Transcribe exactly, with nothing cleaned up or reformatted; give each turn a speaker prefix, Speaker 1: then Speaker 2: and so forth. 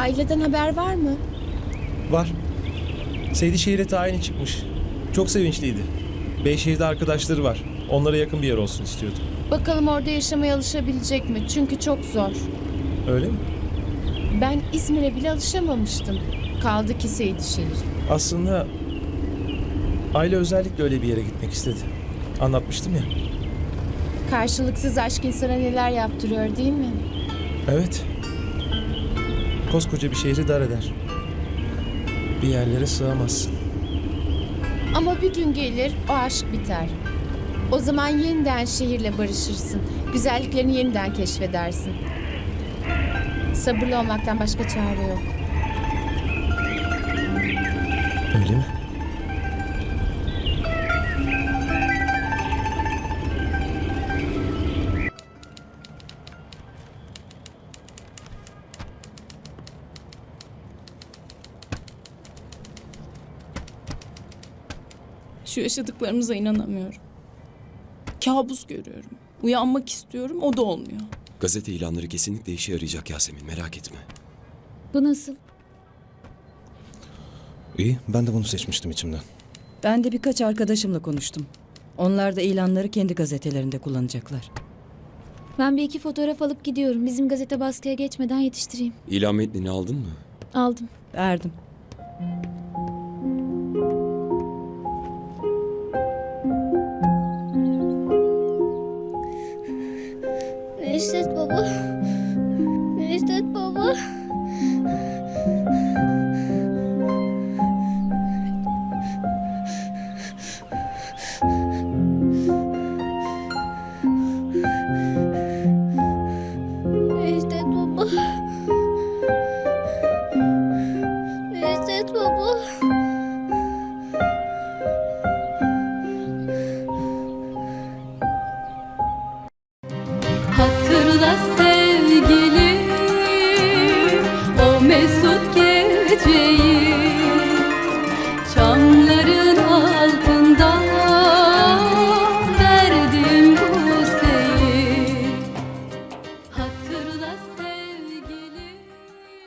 Speaker 1: Aileden haber var mı?
Speaker 2: Var. Seydişehir'e tayini çıkmış. Çok sevinçliydi. Beyşehir'de arkadaşları var. Onlara yakın bir yer olsun istiyordu.
Speaker 1: Bakalım orada yaşamaya alışabilecek mi? Çünkü çok zor.
Speaker 2: Öyle mi?
Speaker 1: Ben İzmir'e bile alışamamıştım. Kaldı ki Seydişehir.
Speaker 2: Aslında aile özellikle öyle bir yere gitmek istedi. Anlatmıştım ya.
Speaker 1: Karşılıksız aşk insana neler yaptırıyor değil mi?
Speaker 2: Evet. Koskoca bir şehri dar eder. Bir yerlere sığamazsın.
Speaker 1: Ama bir gün gelir o aşk biter. O zaman yeniden şehirle barışırsın. Güzelliklerini yeniden keşfedersin. Sabırlı olmaktan başka çare yok.
Speaker 2: Öyle mi?
Speaker 3: Şu yaşadıklarımıza inanamıyorum. Kabus görüyorum. Uyanmak istiyorum, o da olmuyor.
Speaker 4: Gazete ilanları kesinlikle işe yarayacak Yasemin, merak etme.
Speaker 5: Bu nasıl?
Speaker 6: İyi, ben de bunu seçmiştim içimden.
Speaker 7: Ben de birkaç arkadaşımla konuştum. Onlar da ilanları kendi gazetelerinde kullanacaklar.
Speaker 5: Ben bir iki fotoğraf alıp gidiyorum. Bizim gazete baskıya geçmeden yetiştireyim.
Speaker 4: İlan metnini aldın mı?
Speaker 5: Aldım.
Speaker 7: Verdim.
Speaker 8: Neşet baba. Neşet baba. Neşet baba. Neşet baba.
Speaker 9: Hatırla sevgilim o mesut geceyi.